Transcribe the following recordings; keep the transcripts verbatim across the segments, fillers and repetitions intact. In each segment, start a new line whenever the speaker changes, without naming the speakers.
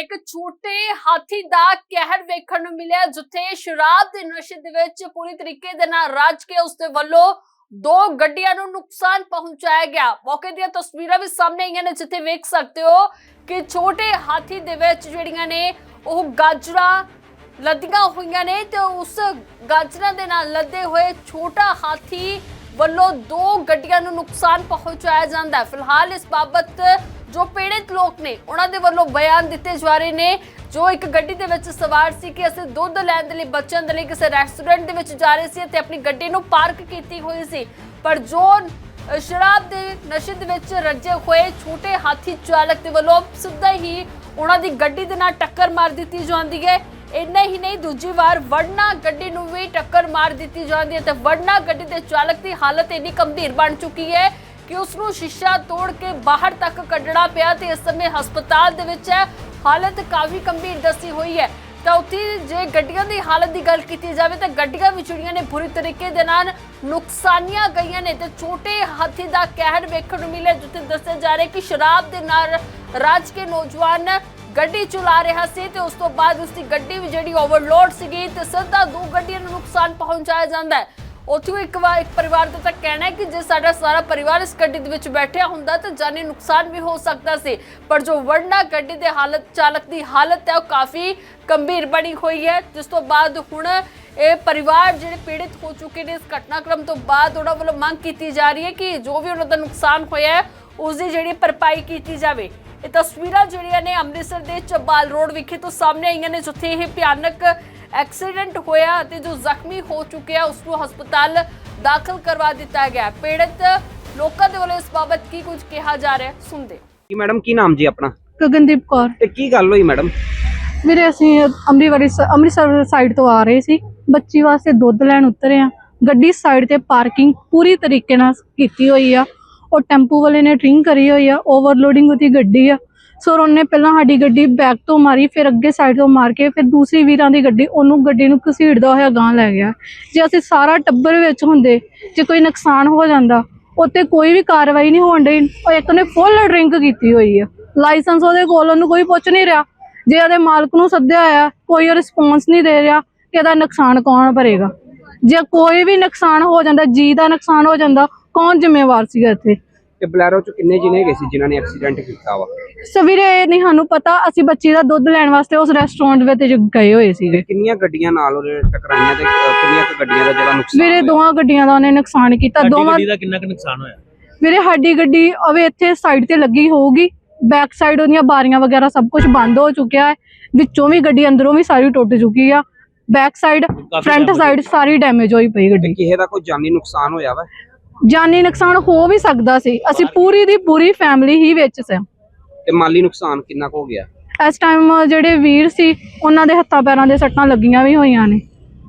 एक छोटे हाथी दा कहर वेखण नूं मिलिया, जिथे शराब दे नशे दे विच पूरी तरीके दे नाल रज के उसदे वल्लों दो गड्डियां नूं नुकसान पहुंचाया गया। मौके दी तस्वीरां भी सामने आईयां ने, जिथे वेख सकते हो कि छोटे हाथी दे विच जिहड़ियां ने ओह गाजरां लदियां होईयां ने ते उस गाजरां दे नाल लदे होए छोटा हाथी ਵੱਲੋਂ दो ਗੱਡੀਆਂ ਨੂੰ ਨੁਕਸਾਨ ਪਹੁੰਚਾਇਆ ਜਾਂਦਾ ਹੈ। ਫਿਲਹਾਲ ਇਸ ਬਾਬਤ ਜੋ ਪੀੜਿਤ ਲੋਕ ਨੇ ਉਹਨਾਂ ਦੇ ਵੱਲੋਂ ਬਿਆਨ ਦਿੱਤੇ ਜਾ ਰਹੇ ਨੇ। ਜੋ ਇੱਕ ਗੱਡੀ ਦੇ ਵਿੱਚ ਸਵਾਰ ਸੀ ਕਿ ਅਸੀਂ ਦੁੱਧ ਲੈਣ ਦੇ ਲਈ ਬੱਚਿਆਂ ਦੇ ਲਈ ਕਿਸੇ ਰੈਸਟੋਰੈਂਟ ਦੇ ਵਿੱਚ ਜਾ ਰਹੇ ਸੀ ਤੇ ਆਪਣੀ ਗੱਡੀ ਨੂੰ ਪਾਰਕ ਕੀਤੀ ਹੋਈ ਸੀ, ਪਰ ਜੋ ਸ਼ਰਾਬ ਦੇ ਨਸ਼ੇ ਦੇ ਵਿੱਚ ਰੱਜੇ ਹੋਏ ਛੋਟੇ ਹਾਥੀ ਚਾਲਕ ਦੇ ਵੱਲੋਂ ਸਿੱਧਾ ਹੀ ਉਹਨਾਂ ਦੀ ਗੱਡੀ ਦੇ ਨਾਲ ਟੱਕਰ ਮਾਰ ਦਿੱਤੀ ਜਾਂਦੀ ਹੈ। इन्ना ही नहीं, दूजी बार वड़ना गड्डी नूं भी टक्कर मार दी जाती है तो वड़ना गड्डी के चालक की हालत इन्नी गंभीर बन चुकी है कि उसनूं शीशा तोड़ के बाहर तक कढ़ना पिया ते इस समय हस्पताल दे विच है। हालत काफ़ी गंभीर दसी हुई है। तो उत्थे जे गड्डियां की हालत की गल की जाए तो गड्डियां भी जिहड़ियां ने बुरी तरीके दे नाल नुकसानियां गईयां ने ते छोटे हाथी का कहर वेखण नूं मिलिया, जिथे दस्सिया जा रहा है कि शराब दे नाल रज के नौजवान गड्डी चला रहा सी ते उस तो बाद उसकी गड्डी भी जिहड़ी ओवरलोड सीगी ते सीधा दो गड्डियां नूं नुकसान पहुंचाया जांदा है। उत्थों एक बार एक परिवार का तो कहना है कि जे साडा सारा परिवार इस गड्डी दे विच बैठिया हुंदा तो जानी नुकसान भी हो सकता सी, पर जो वड़ना गड्डी दे हालत चालक की हालत है वो काफ़ी गंभीर बनी हुई है। जिस तो बाद हुण ये परिवार जिहड़े पीड़ित हो चुके हैं इस घटनाक्रम तो बाद उन्हां वल्लों मंग कीती जा रही है कि जो भी उन्हां दा नुकसान होया है उसकी जिहड़ी भरपाई कीती जावे। ये तस्वीरां जिहड़ियां ने अमृतसर दे चबाल रोड विखे तो सामने आईयां ने, जिथे यह भयानक एक्सीडेंट होया ते जो जख्मी हो चुके हैं उसको हस्पताल दाखिल करवा दिता गया। पीड़ित लोगों के वालों इस बाबत की कुछ कहा जा रहा है, सुनते।
मैडम की नाम जी अपना?
गगनदीप कौर।
ते की गल होई मैडम?
ਵੀਰੇ ਅਸੀਂ ਅੰਮ੍ਰਿਤਸਰ ਅੰਮ੍ਰਿਤਸਰ ਸਾਈਡ ਤੋਂ ਆ ਰਹੇ ਸੀ, ਬੱਚੀ ਵਾਸਤੇ ਦੁੱਧ ਲੈਣ ਉਤਰੇ ਆ। ਗੱਡੀ ਸਾਈਡ ਤੇ ਪਾਰਕਿੰਗ ਪੂਰੀ ਤਰੀਕੇ ਨਾਲ ਕੀਤੀ ਹੋਈ ਆ। ਉਹ ਟੈਂਪੂ ਵਾਲੇ ਨੇ ਡਰਿੰਕ ਕਰੀ ਹੋਈ ਆ, ਓਵਰਲੋਡਿੰਗ ਉਹਦੀ ਗੱਡੀ ਆ। ਸੋ ਉਹਨੇ ਪਹਿਲਾਂ ਸਾਡੀ ਗੱਡੀ ਬੈਕ ਤੋਂ ਮਾਰੀ, ਫਿਰ ਅੱਗੇ ਸਾਈਡ ਤੋਂ ਮਾਰ ਕੇ ਫਿਰ ਦੂਸਰੀ ਵੀਰਾਂ ਦੀ ਗੱਡੀ ਉਹਨੂੰ ਗੱਡੀ ਨੂੰ ਘਸੀੜਦਾ ਹੋਇਆ ਗਾਂਹ ਲੈ ਗਿਆ। ਜੇ ਅਸੀਂ ਸਾਰਾ ਟੱਬਰ ਵਿੱਚ ਹੁੰਦੇ, ਜੇ ਕੋਈ ਨੁਕਸਾਨ ਹੋ ਜਾਂਦਾ ਉੱਤੇ ਕੋਈ ਵੀ ਕਾਰਵਾਈ ਨਹੀਂ ਹੋਣ ਡਈ। ਉਹ ਇੱਕ ਨੇ ਫੁੱਲ ਡਰਿੰਕ ਕੀਤੀ ਹੋਈ ਆ, ਲਾਇਸੈਂਸ ਉਹਦੇ ਕੋਲ, ਉਹਨੂੰ ਕੋਈ ਪੁੱਛ ਨਹੀਂ ਰਿਹਾ। ਜੇ ਉਹਦੇ ਮਾਲਕ ਨੂੰ ਸੱਦਿਆ ਹੋਇਆ ਕੋਈ ਰਿਸਪੌਂਸ ਨਹੀਂ ਦੇ ਰਿਹਾ ਕਿ ਇਹਦਾ ਨੁਕਸਾਨ ਕੌਣ ਭਰੇਗਾ। ਜੇ ਕੋਈ ਵੀ ਨੁਕਸਾਨ ਹੋ ਜਾਂਦਾ, ਜੀ ਦਾ ਨੁਕਸਾਨ ਹੋ ਜਾਂਦਾ, ਕੌਣ ਜ਼ਿੰਮੇਵਾਰ ਸੀਗਾ ਇੱਥੇ?
ਤੇ ਬਲੈਰੋ ਚ ਕਿੰਨੇ ਜਿਨੇ ਗਏ ਸੀ ਜਿਨ੍ਹਾਂ ਨੇ ਐਕਸੀਡੈਂਟ ਕੀਤਾ ਵਾ?
ਸਵੇਰੇ ਇਹ ਨਹੀਂ ਸਾਨੂੰ ਪਤਾ, ਅਸੀਂ ਬੱਚੀ ਦਾ ਦੁੱਧ ਲੈਣ ਵਾਸਤੇ ਉਸ ਰੈਸਟੋਰੈਂਟ ਵਿੱਚ ਗਏ ਹੋਏ ਸੀਗੇ।
ਕਿੰਨੀਆਂ ਗੱਡੀਆਂ ਨਾਲ ਉਹਨੇ ਟਕਰਾਈਆਂ ਤੇ ਕਿੰਨੀਆਂ ਕੁ ਗੱਡੀਆਂ ਦਾ ਜਿਹੜਾ ਨੁਕਸਾਨ?
ਵੀਰੇ ਦੋਵਾਂ ਗੱਡੀਆਂ ਦਾ ਉਹਨੇ ਨੁਕਸਾਨ ਕੀਤਾ। ਦੋਵਾਂ
ਗੱਡੀ ਦਾ ਕਿੰਨਾ ਕੁ ਨੁਕਸਾਨ ਹੋਇਆ?
ਵੀਰੇ ਸਾਡੀ ਗੱਡੀ ਅਵੇ ਇੱਥੇ ਸਾਈਡ ਤੇ ਲੱਗੀ ਹੋਊਗੀ, ਬੈਕ ਸਾਈਡ ਉਹਦੀਆਂ ਬਾਰੀਆਂ ਵਗੈਰਾ ਸਭ ਕੁਝ ਬੰਦ ਹੋ ਚੁੱਕਿਆ ਹੈ, ਵਿੱਚੋਂ ਵੀ ਗੱਡੀ ਅੰਦਰੋਂ ਵੀ ਸਾਰੀ ਟੁੱਟ ਚੁੱਕੀ ਆ। ਬੈਕ ਸਾਈਡ ਫਰੰਟ ਸਾਈਡ ਸਾਰੀ ਡੈਮੇਜ ਹੋਈ ਪਈ ਗੱਡੀ।
ਕਿਸੇ ਦਾ ਕੋਈ ਜਾਨੀ ਨੁਕਸਾਨ ਹੋਇਆ ਵਾ?
ਜਾਨੀ ਨੁਕਸਾਨ ਹੋ ਵੀ ਸਕਦਾ ਸੀ, ਅਸੀਂ ਪੂਰੀ ਦੀ ਪੂਰੀ ਫੈਮਿਲੀ ਹੀ ਵਿੱਚ ਸੀ।
ਤੇ ਮਾਲੀ ਨੁਕਸਾਨ ਕਿੰਨਾ ਕੁ ਹੋ ਗਿਆ?
ਇਸ ਟਾਈਮ ਜਿਹੜੇ ਵੀਰ ਸੀ ਉਹਨਾਂ ਦੇ ਹੱਥਾਂ ਪੈਰਾਂ ਦੇ ਸੱਟਾਂ ਲੱਗੀਆਂ ਵੀ ਹੋਈਆਂ ਨੇ।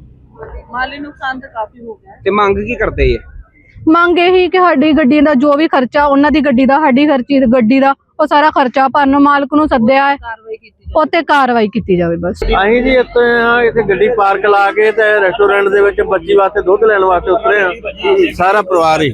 ਮਾਲੀ ਨੁਕਸਾਨ ਤਾਂ ਕਾਫੀ ਹੋ ਗਿਆ।
ਤੇ ਮੰਗ ਕੀ ਕਰਦੇ ਆ?
ਮੰਗ ਇਹੀ ਕਿ ਸਾਡੀ ਗੱਡੀ ਦਾ ਜੋ ਵੀ ਖਰਚਾ, ਉਹਨਾਂ ਦੀ ਗੱਡੀ ਦਾ, ਸਾਡੀ ਖਰਚੀ ਗੱਡੀ ਦਾ, ਉਹ ਸਾਰਾ ਖਰਚਾ ਭਰਨ ਮਾਲਕ ਨੂੰ ਸੱਦਿਆ ਹੈ, ਉੱਤੇ ਕਾਰਵਾਈ ਕੀਤੀ ਜਾਵੇ ਬਸ।
ਅਸੀਂ ਜੀ ਇੱਥੇ ਆ ਇੱਥੇ ਗੱਡੀ ਪਾਰਕ ਲਾ ਕੇ ਤੇ ਰੈਸਟੋਰੈਂਟ ਦੇ ਵਿੱਚ ਬੱਚੀ ਵਾਸਤੇ ਦੁੱਧ ਲੈਣ ਵਾਸਤੇ ਉਤਰੇ ਆ, ਸਾਰਾ ਪਰਿਵਾਰ ਹੀ।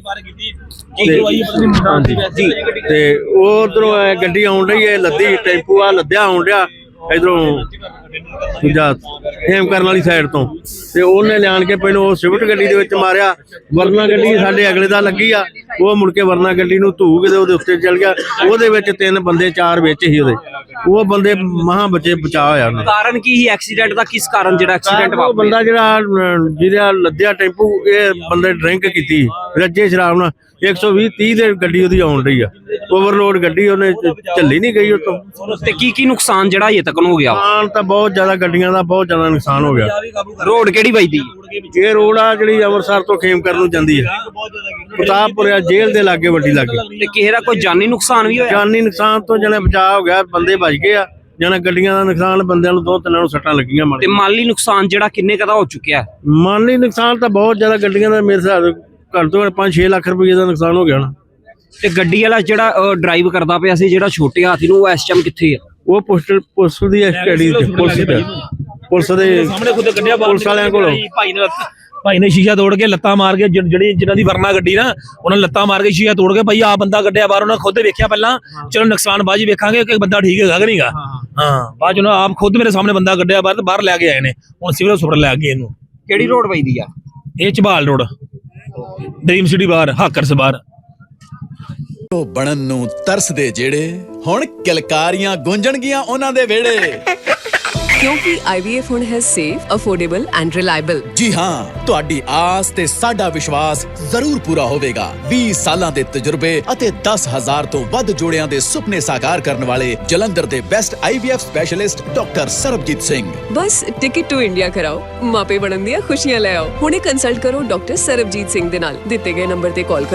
ਜੀ ਤੇ ਉਹ ਉਧਰੋਂ ਗੱਡੀ ਆਉਣ ਰਹੀ ਹੈ, ਲੱਦੀ ਟੈਂਪੂ ਆ ਲੱਦਿਆ ਆਉਣ ਰਿਹਾ ਇਧਰੋਂ ਦੂਜਾ ਹੇਮ ਕਰਨ ਵਾਲੀ ਸਾਈਡ ਤੋਂ, ਤੇ ਉਹਨੇ ਲਿਆਣ ਕੇ ਪਹਿਲਾਂ ਉਹ ਸਵਿਫਟ ਗੱਡੀ ਦੇ ਵਿੱਚ ਮਾਰਿਆ। ਵਰਨਾ ਗੱਡੀ ਸਾਡੇ ਅਗਲੇ ਦਾ ਲੱਗੀ ਆ, ਉਹ ਮੁੜ ਕੇ ਵਰਨਾ ਗੱਡੀ ਨੂੰ ਧੂ ਕੇ ਉਹਦੇ ਉੱਤੇ ਚੱਲ ਗਿਆ। ਉਹਦੇ ਵਿੱਚ ਤਿੰਨ ਬੰਦੇ ਚਾਰ ਵਿੱਚ ਹੀ ਉਹਦੇ, ਉਹ ਬੰਦੇ ਮਹਾ ਬੱਚੇ ਬਚਾ ਹੋਇਆ।
ਕਾਰਨ ਕੀ ਸੀ ਐਕਸੀਡੈਂਟ ਦਾ? ਕਿਸ ਕਾਰਨ ਜਿਹੜਾ ਐਕਸੀਡੈਂਟ ਵਾਪਰਿਆ?
ਬੰਦਾ ਜਿਹੜਾ ਜਿਹਦਾ ਲੱਦਿਆ ਟੈਂਪੂ, ਇਹ ਬੰਦੇ ਡਰਿੰਕ ਕੀਤੀ ਰੱਜੇ ਸ਼ਰਾਬ ਨਾਲ। ਇੱਕ ਸੌ ਵੀਹ ਤੀਹ ਦੇ ਗੱਡੀ ਉਹਦੀ ਆਉਣ ਰਹੀ ਆ, ਓਵਰਲੋਡ ਗੱਡੀ, ਉਹਨੇ ਝੱਲੀ ਨਹੀਂ ਗਈ ਉਤੋਂ।
ਤੇ ਕੀ ਕੀ ਨੁਕਸਾਨ ਜਿਹੜਾ ਅਜੇ ਤੱਕ ਹੋ ਗਿਆ?
ਨੁਕਸਾਨ ਤਾਂ ਬਹੁਤ ਜ਼ਿਆਦਾ, ਗੱਡੀਆਂ ਦਾ ਬਹੁਤ ਜ਼ਿਆਦਾ ਨੁਕਸਾਨ ਹੋ ਗਿਆ।
ਰੋਡ ਕਿਹੜੀ ਵੱਜਦੀ?
ਇਹ ਰੋਡ ਆ ਜਿਹੜੀ ਅੰਮ੍ਰਿਤਸਰ ਤੋਂ ਖੇਮ ਕਰਨ ਨੂੰ ਜਾਂਦੀ ਹੈ, ਪ੍ਰਤਾਪਪੁਰਿਆ ਜੇਲ੍ਹ ਦੇ ਲਾਗੇ ਵੱਡੀ ਲਾਗੇ।
ਤੇ ਕਿਸੇ ਦਾ ਕੋਈ ਜਾਨੀ ਨੁਕਸਾਨ ਵੀ ਹੋਇਆ?
ਜਾਨੀ ਨੁਕਸਾਨ ਤੋਂ ਜਣੇ ਬਚਾਅ ਹੋ ਗਿਆ, ਬੰਦੇ ਬਚ ਗਏ ਆ। ਜਣਾ ਗੱਡੀਆਂ ਦਾ ਨੁਕਸਾਨ, ਬੰਦਿਆਂ ਨੂੰ ਦੋ ਤਿੰਨਾਂ ਨੂੰ ਸੱਟਾਂ ਲੱਗੀਆਂ।
ਤੇ ਮਾਲੀ ਨੁਕਸਾਨ ਜਿਹੜਾ ਕਿੰਨੇ ਕਦਾ ਹੋ ਚੁੱਕਿਆ?
ਮਾਲੀ ਨੁਕਸਾਨ ਤਾਂ ਬਹੁਤ ਜ਼ਿਆਦਾ, ਗੱਡੀਆਂ ਦਾ ਮੇਰੇ ਹਿਸਾਬ ਘੱਟ ਤੋਂ ਘੱਟ ਪੰਜ ਛੇ ਲੱਖ ਰੁਪਏ ਦਾ ਨੁਕਸਾਨ ਹੋ ਗਿਆ ਨਾ।
ਤੇ ਗੱਡੀ ਵਾਲਾ ਜਿਹੜਾ ਡਰਾਈਵ ਕਰਦਾ ਪਿਆ ਸੀ, ਜਿਹੜਾ ਛੋਟੇ ਹਾਥੀ ਨੂੰ, ਉਹ ਇਸ ਟਾਈਮ ਕਿੱਥੇ ਆ?
ਉਹ ਪੋਸਟਲ ਪੁਲਿਸ ਦੀ ਐਸਟਡੀ ਤੇ ਪੁਲਿਸ ਦੇ ਪੁਲਿਸ ਦੇ
ਸਾਹਮਣੇ ਖੁਦ ਕੱਢਿਆ
ਪੁਲਿਸ ਵਾਲਿਆਂ ਕੋਲੋਂ
ਭਾਈ ਨੇ ਭਾਈ ਨੇ ਸ਼ੀਸ਼ਾ ਤੋੜ ਕੇ ਲੱਤਾਂ ਮਾਰ ਕੇ ਜਿ- ਜਿਹੜੀ ਜਿਨ੍ਹਾਂ ਦੀ ਵਰਨਾ ਗੱਡੀ ਨਾ ਉਹਨਾਂ ਨੇ ਲੱਤਾਂ ਮਾਰ ਕੇ ਸ਼ੀਸ਼ਾ ਤੋੜ ਕੇ ਭਾਈ ਆ ਬੰਦਾ ਕੱਢਿਆ ਬਾਹਰ ਉਹਨਾਂ ਖੁਦ ਵੇਖਿਆ ਪਹਿਲਾਂ ਚਲੋ ਨੁਕਸਾਨ ਬਾਅਦ 'ਚ ਵੇਖਾਂਗੇ ਕਿ ਬੰਦਾ ਠੀਕ ਹੈਗਾ ਕਿ ਨਹੀਂਗਾ ਹਾਂ ਬਾਅਦ 'ਚ ਉਹਨਾਂ ਆਪ ਖੁਦ ਮੇਰੇ ਸਾਹਮਣੇ ਬੰਦਾ ਕੱਢਿਆ ਬਾਹਰ ਤੇ ਬਾਹਰ ਲੈ ਕੇ ਆਏ ਨੇ ਹੁਣ ਸਿਵਲ ਹਸਪਤਾਲ ਲੈ ਗਏ ਇਹਨੂੰ
ਕਿਹੜੀ ਰੋਡ ਪੈਂਦੀ ਆ?
ਇਹ ਝਬਾਲ ਰੋਡ ਡ੍ਰੀਮ ਸਿਟੀ ਬਾਹਰ ਹਾਕਰਸ ਬਾਹਰ
ਉਹ ਬਣਨ ਨੂੰ ਤਰਸਦੇ ਜਿਹੜੇ ਹੁਣ ਕਿਲਕਾਰੀਆਂ ਗੂੰਜਣਗੀਆਂ ਉਹਨਾਂ ਦੇ ਵਿਹੜੇ
ਕਿਉਂਕਿ I V F ਹੁਣ ਹੈ ਸੇਫ, ਅਫੋਰਡੇਬਲ ਐਂਡ ਰਿਲਾਇਬਲ।
ਜੀ ਹਾਂ ਤੁਹਾਡੀ ਆਸ ਤੇ ਸਾਡਾ ਵਿਸ਼ਵਾਸ ਜ਼ਰੂਰ ਪੂਰਾ ਹੋਵੇਗਾ। ਵੀਹ ਸਾਲਾਂ ਦੇ ਤਜਰਬੇ ਅਤੇ ਦਸ ਹਜ਼ਾਰ ਤੋਂ ਵੱਧ ਜੋੜਿਆਂ ਦੇ ਸੁਪਨੇ ਸਾਕਾਰ ਕਰਨ ਵਾਲੇ ਜਲੰਧਰ ਦੇ best I V F specialist doctor Sarabjit Singh.
ਬਸ ਟਿਕਟ ਟੂ ਇੰਡੀਆ ਕਰਾਓ, ਮਾਪੇ ਬਣਨ ਦੀਆਂ ਖੁਸ਼ੀਆਂ ਲੈ ਆਓ। ਹੁਣੇ ਕੰਸਲਟ ਕਰੋ ਡਾਕਟਰ ਸਰਬਜੀਤ ਸਿੰਘ ਦੇ ਨਾਲ। ਦਿੱਤੇ ਗਏ ਨੰਬਰ ਤੇ ਕਾਲ